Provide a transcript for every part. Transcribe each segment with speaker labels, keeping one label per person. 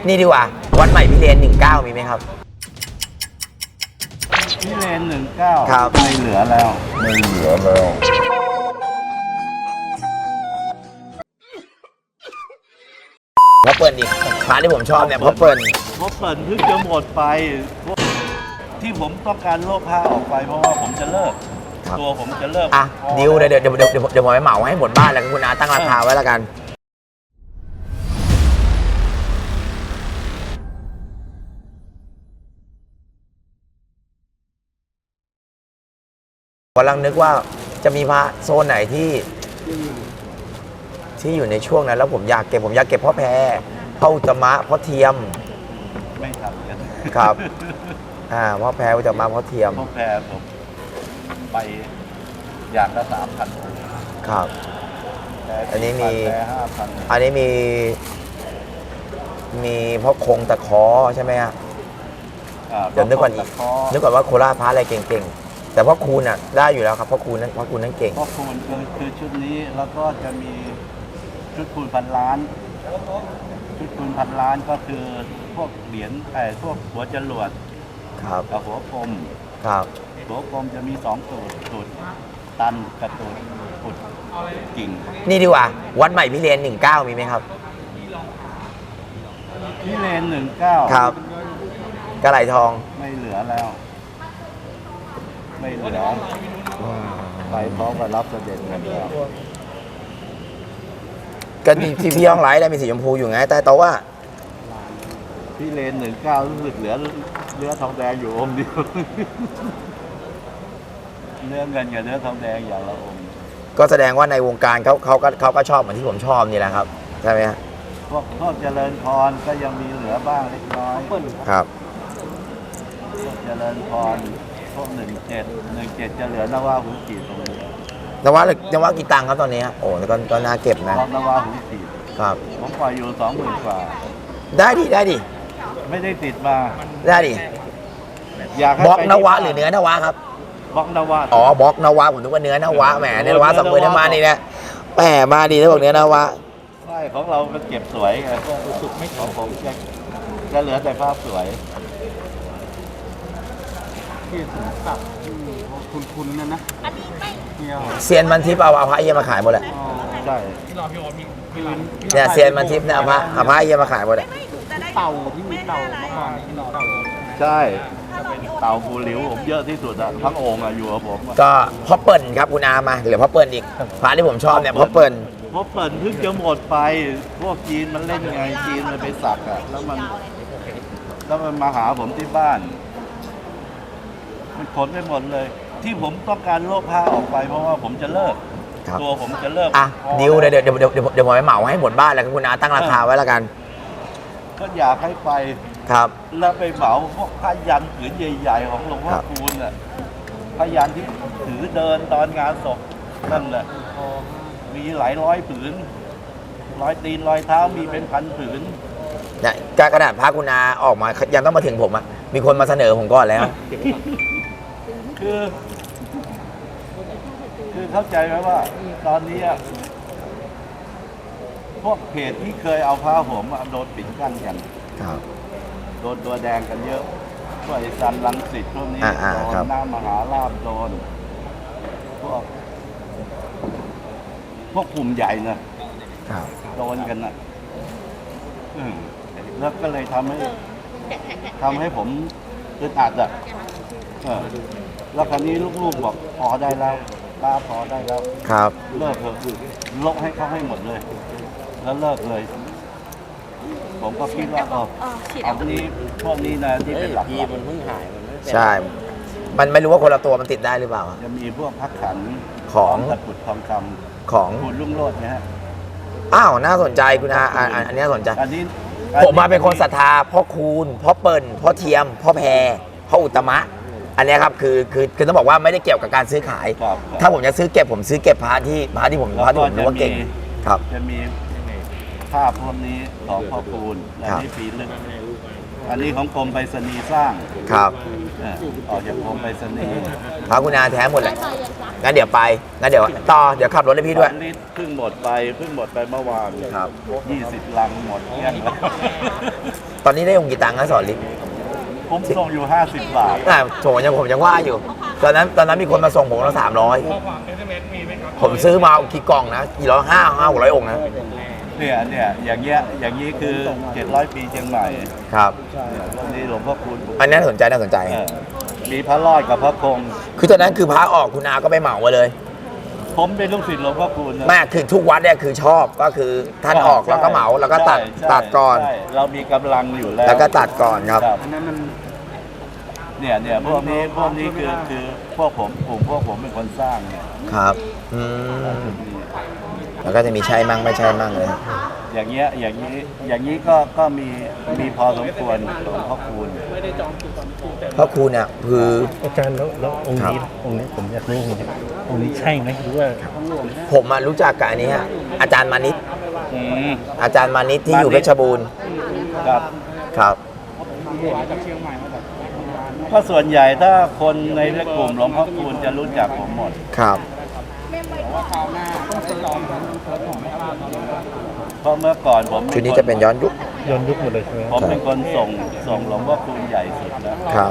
Speaker 1: นี่ดีกว่าวัดใหม่พิเรน19มีไหมครับ
Speaker 2: พิเรน19
Speaker 1: ครับ
Speaker 2: ไม่เหลือแล้ว
Speaker 1: เพราะเปิดอีกพาที่ผมชอบเนี่ยเพราะเปิด
Speaker 2: เพิ่งจะหมดไปที่ผมต้องการโลกผ้าออกไปเพราะว่าผมจะเลิกตัวผมจะเลิก
Speaker 1: อ่ะดิวเดี๋ยวผมไปเหมาให้หมดบ้านแล้วคุณอาตั้งราคาไว้แล้วกันกำลังนึกว่าจะมีพระโซนไหนที่อยู่ในช่วงนั้นแล้วผมอยากเก็บพ่อแพรพ่ออุตมะพ่อเทียม
Speaker 2: ไม่ทำกัน
Speaker 1: ครับพ่อแพรอุตมะพ่อเทียม
Speaker 2: พ่อแพรผมไปอย่างละ3,000
Speaker 1: ครับอันนี้มีพ่อคงตะขอใช่ไหมฮะเดี๋ยวนึกก่อนว่าโคราชพระอะไรเก่งๆแต่พ่อคูณน่ะได้อยู่แล้วครับพ่อคูณนั้นเก่ง
Speaker 2: พ่อคูณคือชุดนี้แล้วก็จะมีชุดคูณพันล้านก็คือพวกเหรียญพวกหัวจรวดกับหัวกลมหัวกลมจะมี2ตูดตันกับตูดกิ่ง
Speaker 1: นี่ดีกว่าวัดใหม่พิเรน19มีไหมครับ
Speaker 2: พิเรน19
Speaker 1: ครับกระไหลทอง
Speaker 2: ไม่เหลือแล้วไปพร้อมกับรับเสด็จกันแล้ว
Speaker 1: กันที่พี่ห้องไลท์ได้มีสีชมพูอยู่ไงแต่ว่า
Speaker 2: พิเรน19รู้สึกเหลือทองแดงอยู่องค์เดียวเนื้อเงินกับเนื้อทองแดงอย่างละองค์
Speaker 1: ก็แสดงว่าในวงการเขาก็ชอบเหมือนที่ผมชอบนี่แหละครับใช่ไหมฮะ
Speaker 2: พวกเจริญพรก็ยังมีเหลือบ้างเล็กน้อย
Speaker 1: ครับ
Speaker 2: พวกเจริญพรพวก17จะเหลือนวาหูจีตรงนี้
Speaker 1: นวากี่ตังค์ครับตอนนี้โอ้ก็น่าเก็บนะ
Speaker 2: นวาหูจี
Speaker 1: ครับ
Speaker 2: ผมปล่อยอยู่20,000 กว่า
Speaker 1: ได้ดิ
Speaker 2: ไม่ได้ติดมา
Speaker 1: ได้ดิบล็อกนวาหรือเนื้อนวาครับ
Speaker 2: บล็อกนวา
Speaker 1: บล็อกนวาผมนึกว่าเนื้อนวาแหมเนื้อนวาสับเปลือกมานี่นะแหมมาดีถ้าบอกเนื้อนวา
Speaker 2: ใช่ของเรามันเก็บสวยไงสุดไม่ของผมจะเหลือแต่ภาพสวยที่ถึงสับคุณนั่นนะ
Speaker 1: เซียนมันทิพย์เอาพระเยี่ยมาขายหมดเลย
Speaker 2: ใช่
Speaker 1: เนี่ยเซียนมันทิพย์เนี่ยเอาพระเยี่ยมาขายหมดเลย
Speaker 2: เต่าที่มีเต่าใช่เต่าภูหลิวผมเยอะที่สุดอะทั้งองค์อยู่กับผม
Speaker 1: ก็พ่อเปิ่นครับคุณอามาเหลือพ่อเปิ่นอีกพระที่ผมชอบเนี่ยพ่อเปิ่น
Speaker 2: เพิ่งจะหมดไปพวกจีนมันเล่นไงจีนมันไปสักอะแล้วมันมาหาผมที่บ้านมันขนไปหมดเลยที่ผมต้องการโลกผ้าออกไปเพราะว่าผมจะเลิกตัวผมจะเลิก
Speaker 1: ดิวเดี๋ยวผมไปเหมาให้หมดบ้านแล้วคุณอาตั้งราคาไว้แล้วกัน
Speaker 2: ก็อยากให้ไป
Speaker 1: ครับ
Speaker 2: แล้วไปเหมาพวกผ้ายันผืนใหญ่ๆของหลวงพ่อคูณน่ะผ้ายันที่ถือเดินตอนงานศพนั่นแหละมีหลายร้อยผืนรอยตีนรอยเท้ามีเป็นพันผืน
Speaker 1: เนี่ยกระดาษผ้าคุณอาออกมายังต้องมาถึงผมอ่ะมีคนมาเสนอผมก่อนแล้ว
Speaker 2: คือเข้าใจไหมว่าตอนนี้พวกเพจที่เคยเอาผ้าห่มโดนปิดกั้นกันโดนตัวแดงกันเยอะพวกไอ้ซันรังสิตพวกนี้โดนน้ามหาลาภโดนพวกกลุ่มใหญ่นะโดนกันนะแล้วก็เลยทำให้ผมอึดอัดอ่ะแล้วคราวนี้ลูกๆบอกพอได้แล้วป้าพอได้แล้ว
Speaker 1: ครับ
Speaker 2: เลิกเถอะลบให้เขาให้หมดเลยแล้วเลิกเลยผมก็คิดว่าเอาพวกนี้นะที่เป็นหลักมันเพิ่งหาย
Speaker 1: ใช่มันไม่รู้ว่าคนละตัวมันติดได้หรือเปล่า
Speaker 2: จะมีพวกพักขัน
Speaker 1: ของ
Speaker 2: ตะกุดทองคำ
Speaker 1: ของ
Speaker 2: คุณรุ่งโรจน์นะฮะ
Speaker 1: น่าสนใจคุณอาอันนี้สนใจผมมาเป็นคนศรัทธาพ่อคูณพ่อเปิ่นพ่อเทียมพ่อแพรพ่ออุตมะอันนี้ครับคือต้องบอกว่าไม่ได้เกี่ยวกับการซื้อขายถ้าผมจะซื้อเก็บผมซื้อเก็บพระที่ผมรู้ว่าเก่งครับ
Speaker 2: จะมีภาพพวกนี้ของพ่อคูณอันนี้ปีลึกอันนี้ของกรมไปรษณีย์สร้าง
Speaker 1: ครับ
Speaker 2: ออกจากกรมไปรษณีย์
Speaker 1: พระคุณอาแท้หมดเลยงั้นเดี๋ยวเดี๋ยวขับรถให้พี่ด้วย
Speaker 2: เพิ่งหมดไปเมื่อวาน
Speaker 1: ครับ
Speaker 2: 20 ลังหมดเงี้ย
Speaker 1: ตอนนี้ได้องค์กี่ตังค์นะสอนลิศ
Speaker 2: ผมส่งอยู่50 บาท
Speaker 1: ผมยังว่าอยู่ ตอนนั้นมีคนมาส่งผมละ300ผมซื้อมากี่กล่องนะกี่ร้อย500-600 องค์นะ
Speaker 2: เนี่ยอย่างเงี้ยคือ700 ปีเชียงใหม่
Speaker 1: ครับ
Speaker 2: ตรงนี้หลวงพ่อคูณ
Speaker 1: อันนี้น่าสนใจ
Speaker 2: มีพระรอดกับพระคง
Speaker 1: คือตอนนั้นคือพระออกคุณอาก็ไปเหมามาเลย
Speaker 2: ผมเป็นลูกศิษย์หลวงพ่อคูณนะ
Speaker 1: แม่คือทุกวัดเนี่ยคือชอบก็คือท่านออกแล้วก็เหมาแล้วก็ตัด
Speaker 2: ใช่
Speaker 1: ตัดก่อน
Speaker 2: ใช่เรามีกำลังอยู่แล้ว
Speaker 1: แล้วก็ตัดก่อนครับ
Speaker 2: อันนั้นมันเนี่ยพวกนี้คือพวกผมกลุ่มพวกผมเป็นคนสร้างเนี่ย
Speaker 1: ครับแล้วก็จะมีใช่มั่งไม่ใช่มั่งเลย
Speaker 2: อย่างเงี้ยก็มีพอสมควรหลวงพ่อคูณ
Speaker 1: เพราะครูเนี่ยคือ
Speaker 3: อาจารย์แล้วองค์นี้ผมอยากรู้องค์นี้ใช่ไหมหรือว่า
Speaker 1: ผมมารู้จักกับอันนี้ฮะอาจารย์มานิต
Speaker 2: อืม
Speaker 1: อาจารย์มานิตที่อยู่เพชรบูรณ์
Speaker 2: ครับ
Speaker 1: ครับ
Speaker 2: ก็ส่วนใหญ่ถ้าคนในกลุ่มหลวงพ่อคูณจะรู้จักผมหมด
Speaker 1: ครับ
Speaker 2: เพราะเมื่อก่อนผม
Speaker 1: ชุดนี้จะเป็นย้อนยุค
Speaker 3: ย้อนยุคหมดเลยใช่ไหม
Speaker 2: ผมเป็นคนส่งหลวงพ่อคูณใหญ่สุดแล้ว
Speaker 1: ครับ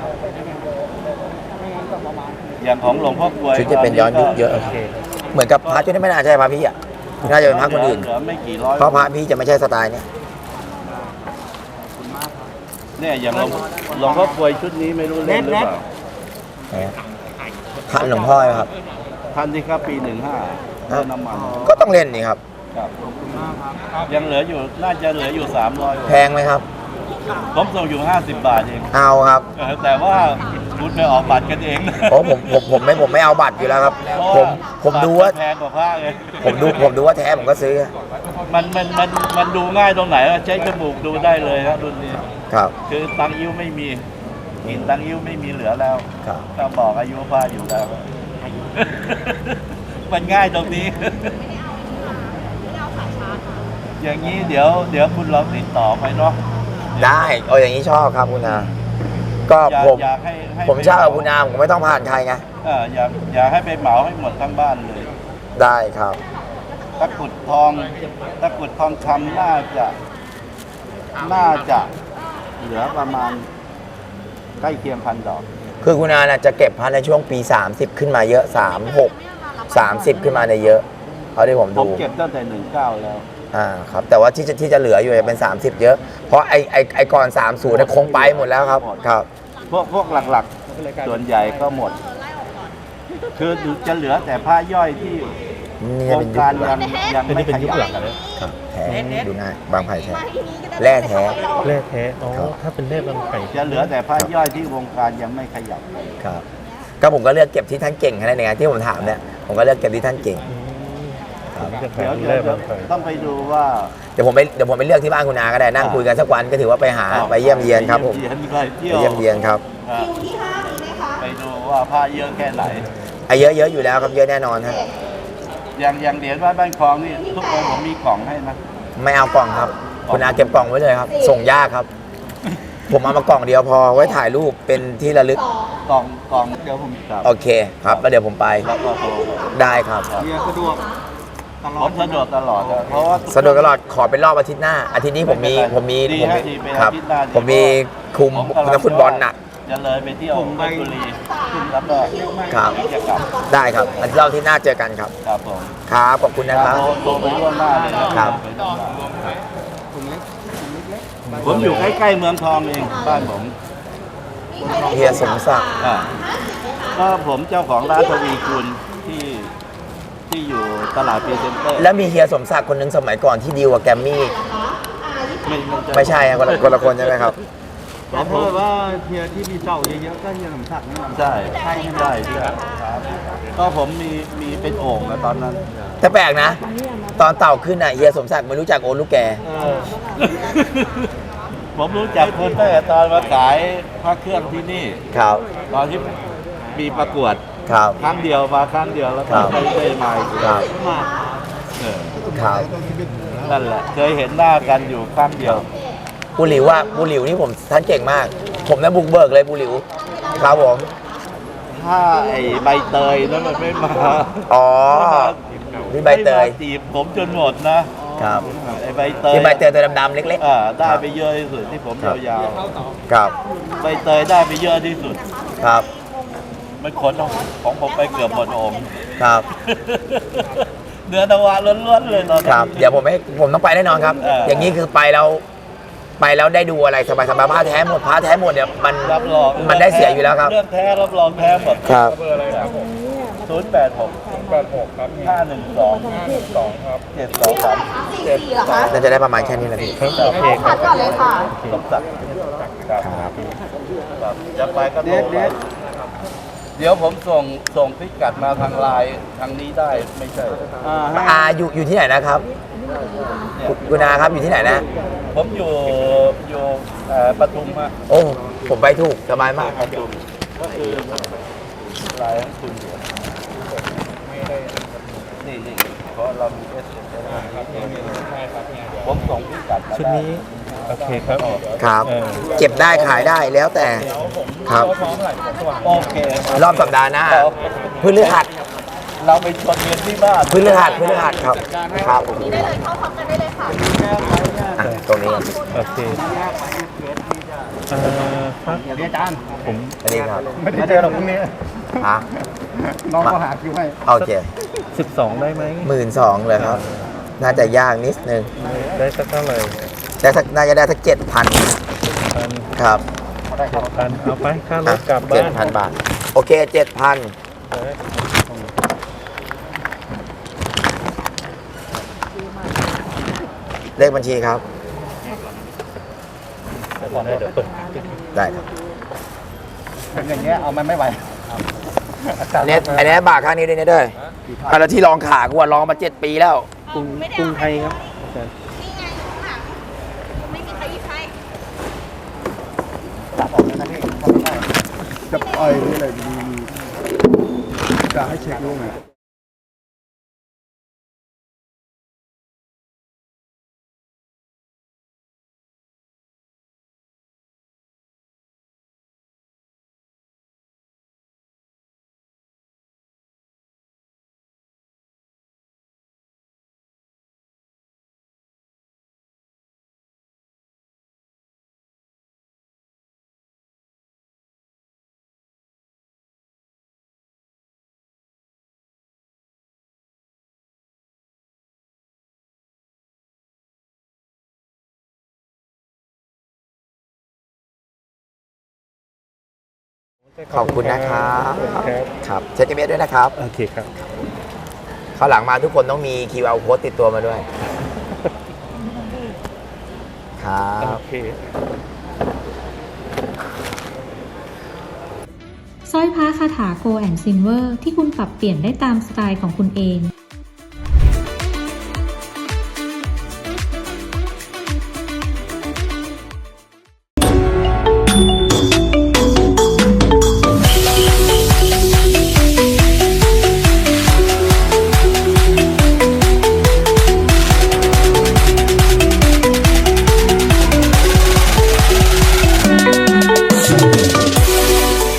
Speaker 2: อย่างของหลวงพ่อกลวย
Speaker 1: ชุดจะเป็นย้อนยุคเยอะ
Speaker 3: โอเค
Speaker 1: เหมือนกับพระชุดนี้ไม่น่าใช่พระพี่อ่ะน่าจะเป็นพระคนอื่น
Speaker 2: เหลือไม่กี่ร้อย
Speaker 1: เพราะพระพี่จะไม่ใช่สไตล์เนี่ย
Speaker 2: เนี่ยอย่างหลวงพ่อกลวยชุดนี้ไม่รู้เล่นหรือเปล่า
Speaker 1: ท่านหลวงพ่อครับ
Speaker 2: ท่านที่ครับปี15เรื่องน้ำมัน
Speaker 1: ก็ต้องเล่นนี่ครับ
Speaker 2: ครับยังเหลืออยู่น่าจะเหลืออยู่300
Speaker 1: แพงไหมครับ
Speaker 2: ผมส่งอยู่50 บาทเอง
Speaker 1: เอาครับ
Speaker 2: แต่ว่าคุณไปออกบัตรกันเองนะ
Speaker 1: โอ้ผมไม่เอาบัตรอยู่แล้วครับ ผมดูว่า
Speaker 2: แพงกว่าผ้าเลย
Speaker 1: ผมดูว่าแท้ผมก็ซื้อ
Speaker 2: มันดูง่ายตรงไหนใช้จมูกดูได้เลยครับรุ่นนี้
Speaker 1: ครับ
Speaker 2: คือตังยิ้วไม่มีกินตังยิ้วไม่มีเหลือแล้ว
Speaker 1: ครับ
Speaker 2: ก็บอกอายุผ้าอยู่แล้ว มันง่ายตรงนี้ อย่างนี้เดี๋ยวคุณลองติดต่อไปเนาะ
Speaker 1: ได้เอาอย่างนี้ชอบครับคุณอาก็
Speaker 2: อยากให้
Speaker 1: ผมชอบกับคุณอาผมไม่ต้องผ่านใครไง
Speaker 2: อยากให้ไปเหมาให้หมดทั้งบ้านเลย
Speaker 1: ได้ครับ
Speaker 2: ตะกรุดทองคำน่าจะเหลือประมาณใกล้เคียง1,000 ดอก
Speaker 1: คือคุณอาน่ะจะเก็บพันในช่วงปี 30 ขึ้นมาเยอะ 36 30 ขึ้นมาในเยอะเขาที่ผม
Speaker 2: ผม
Speaker 1: ดู
Speaker 2: เก็บตั้งแต่19แล้ว
Speaker 1: ครับแต่ว่าที่จะเหลืออยู่จะเป็น 30 เยอะ เพราะไอก่อน 30เนี่ยคงไปหมดแล้วครับครับ
Speaker 2: พวกหลักๆ ส่วนใหญ่ก็หมด คือจะเหลือแต่ผ้าย่อยที่
Speaker 1: นี่
Speaker 2: โคร
Speaker 1: เป็
Speaker 2: ง
Speaker 1: นยุค
Speaker 2: การ
Speaker 1: หลั
Speaker 2: ยัง
Speaker 1: ง
Speaker 2: ยัง
Speaker 3: อัน
Speaker 2: ไม่
Speaker 3: นี้เป็น
Speaker 2: ข
Speaker 3: ยุค
Speaker 2: ยั
Speaker 3: หลั
Speaker 2: บ
Speaker 3: งเลย
Speaker 1: ครับแท้ดูง่ายบางไผ่แท้แร่แท้
Speaker 3: แร่แท้อ๋อ
Speaker 1: ครับ
Speaker 3: ถ้าเป็นแร่บางไผ่
Speaker 2: จะเหลือแต่ผ้าย่อยที่วงการยังไม่ขยับ
Speaker 1: ครับก็ผมก็เลือกเก็บที่ท่านเก่งแค่นั้นเองที่ผมถามเนี่ยผมก็เลือกเก็บที่ท่านเก่ง
Speaker 3: ผมจะ
Speaker 2: เดี๋ยว
Speaker 3: แร่บางไผ่
Speaker 2: ต้องไปดูว่า
Speaker 1: เดี๋ยวผมไปเลือกที่บ้านคุณอาก็ได้นั่งคุยกันสักวันก็ถือว่าไปหาไปเยี่ยมเยียนครับผม
Speaker 2: ไปเยี่ยมเยียน
Speaker 1: ไปเยี่ยมเยียนครับ
Speaker 2: ไปดูว่าผ้าเยอะแค่ไหน
Speaker 1: เยอะอยู่แล้วครับเยอะแน่นอนฮะ
Speaker 2: อย่างเหรียญวัดบ้านคลองนี่ทุกองค์ผมมีกล่องให้นะ
Speaker 1: ไม่เอากล่องครับ คุณอาเก็บกล่องไว้เลยครับ ส่งยากครับ ผมเอามากล่องเดียวพอไว้ถ่ายรูปเป็นที่ระลึก
Speaker 2: กล่องเดี๋ยวผมกลับ
Speaker 1: โอเคครับแล้วเดี๋ยวผมไป
Speaker 2: แล้วก็โทร
Speaker 1: ได้ครับ
Speaker 2: สะดวกผมสะดวกตลอดเพราะว่า
Speaker 1: สะดวกตลอดขอเป็นรอบอาทิตย์หน้า อาทิตย์นี้ผมมี
Speaker 2: ดีฮะดีเป็น
Speaker 1: ครับ
Speaker 2: อาทิตย์หน้าดี
Speaker 1: ผมมีคุมนักฟุตบอลน่ะ
Speaker 2: จะเลยไปเที่ยวเพชรบุรีแล้วก็
Speaker 1: ครับ
Speaker 2: จะกลับ
Speaker 1: ได้ครับอาทิตย์รอบอาที่หน้าเจอกันครับ
Speaker 2: ครับผม
Speaker 1: ครับขอบคุณนะครับ
Speaker 2: โทรไปล่วงหน้าเลยนะครับ ผมอยู่ใกล้ๆเมืองทองเองบ้านผม
Speaker 1: เฮียสมศักดิ์
Speaker 2: อ่าก็ผมเจ้าของร้านทวีคุณที่อยู่ตลาดพรีเซนเตอร์
Speaker 1: แล้วมีเฮียสมศักดิ์คนหนึ่งสมัยก่อนที่ดีลกับแกรมมี่ไม่ใช่ครับคนละคนใช่ไหมครับ
Speaker 2: ผมพูดว่าเฮียที่มีเจ้าเยอะๆก็เฮียสมศักดิ์นี่ใช่ใช่ก็ผมมีเป็นโอ่งอะตอนนั้น
Speaker 1: แต่แปลกนะ ตอนเต่าขึ้นอ่ะเฮียสมศักดิ์ไม่รู้จักโอลูกแก
Speaker 2: ผมรู้จักคนตั้งแต่ตอนมาขายพระเครื่องที่นี่
Speaker 1: ครับ
Speaker 2: ตอนที่มีประกวด
Speaker 1: ครับ
Speaker 2: ครั้งเดียวมาครั้งเดียวแล้วก็
Speaker 1: ครับ
Speaker 2: ไม่ได้มาอีก
Speaker 1: ครับ
Speaker 2: เออ
Speaker 1: ครับ
Speaker 2: นั่นแหละเคยเห็นหน้ากันอยู่ครั้งเดียว
Speaker 1: บูหลิวนี่ผมท่านเก่งมาก ผมนะบุกเบิกเลยบูหลิวครับผม
Speaker 2: ถ้าไอ้ใบเตยนั้นมันไม่มา
Speaker 1: อ๋อนี่ใบเตย
Speaker 2: ไม่มาจีบผมจนหมดนะ
Speaker 1: อครับ
Speaker 2: ไอ้ใบเตย
Speaker 1: ที่ใบเตยตัวดำๆเล็ก
Speaker 2: ได้ไปเยอะที่สุดที่ผมยาว
Speaker 1: ๆครับ
Speaker 2: ๆใบเตยได้ไปเยอะที่สุด
Speaker 1: ครับ
Speaker 2: มันขนของผมไปเกือบหมดองค์
Speaker 1: ครับ
Speaker 2: เนื้อนวะล้วนๆเลยตอนนี้
Speaker 1: ครับเดี๋ยวผมต้องไปแน่นอนครับ อย่างนี้คือไปแล้วได้ดูอะไรสบายๆผ้าแท้หมดเนี่ยมัน
Speaker 2: รับรอง
Speaker 1: มันได้เสียอยู่แล้วครับ
Speaker 2: เรื่องแท้รับรองแท้หมด
Speaker 1: ครับ
Speaker 2: 086 ครับ512ครับ723
Speaker 1: น่าจะได้ประมาณแค่นี้แหละพี่
Speaker 3: โอเคค
Speaker 4: พั
Speaker 3: รับ
Speaker 4: ดก่อนเลยค่ะ
Speaker 2: สมศักดิ์ครับจะไปก็โทรมาเดี๋ยวผมส่งพิกัดมาทางไลน์ทางนี้ได้ไม่ใช่
Speaker 1: อยู่ที่ไหนนะครับคุณอาครับอยู่ที่ไหนนะ
Speaker 2: ผมอยู่ปทุมอะ
Speaker 1: โอ้ผมไปถูกสบายมาก
Speaker 2: ปทุมก็คือไลน์ของคุณอยู่นี่เพราะเรามีผมส่งพิกัดมา
Speaker 3: ชุดนี้โอเคครับ
Speaker 1: ครับ เก็บได้ขายได้แล้วแต่ครับ
Speaker 2: โอเค
Speaker 1: รอบสัปดาห์หน้าพฤหัส
Speaker 2: เราไปชวนเงินที่บ้าน
Speaker 1: พฤหัสครับครับ
Speaker 4: ได้เลยเข้าพร้อมกันได้เลยค่ะ
Speaker 1: อ่ะตรงนี้
Speaker 3: โอเคครับผม
Speaker 1: อันนี้ครับ
Speaker 5: ไม่ได้เจอหรอกพรุ่งนี้
Speaker 1: ฮะ
Speaker 5: น้องก็หาคิวให้
Speaker 1: โอเค
Speaker 3: 12 ได้ไหม
Speaker 1: 12,000เลยครับ น่าจะยากนิดนึง
Speaker 3: ได้สักเท่าไหร่
Speaker 1: น่าจะได้สัก7,000
Speaker 3: พัน
Speaker 1: ครับ
Speaker 3: พันเอาไปค่ารถกลับบ้าน
Speaker 1: 7,000 บาท โอเค 7,000 เลขบัญชีครับ
Speaker 3: เดี๋ยวตก
Speaker 1: ได้ครับ
Speaker 5: เป็นอย่างเงี้ยเอามันไม่ไหว
Speaker 1: อันนี้บาทข้างนี้ด้วยนะเด้อแล้วที่ลองขากูลองมา7 ปีแล้ว
Speaker 3: กรุงไทยครับอาจารย์
Speaker 4: นี่ไงอยู่ข้างหลังไม่มีใครหยิบให้
Speaker 5: จับออกเลยนะพี่ทำไม่ได้จะปล่อยนี่เลยดีจะให้เช็คดูหน่อย
Speaker 1: ขอบคุณนะครับ
Speaker 3: ครับ
Speaker 1: ครับเช็คเอเมด้วยนะครับ
Speaker 3: โอเคครับ
Speaker 1: คราวหลังมาทุกคนต้องมี QR code ติดตัวมาด้วย ครับ
Speaker 3: โอเค
Speaker 6: สร้อยพระคาถา Gold and Silver ที่คุณปรับเปลี่ยนได้ตามสไตล์ของคุณเอง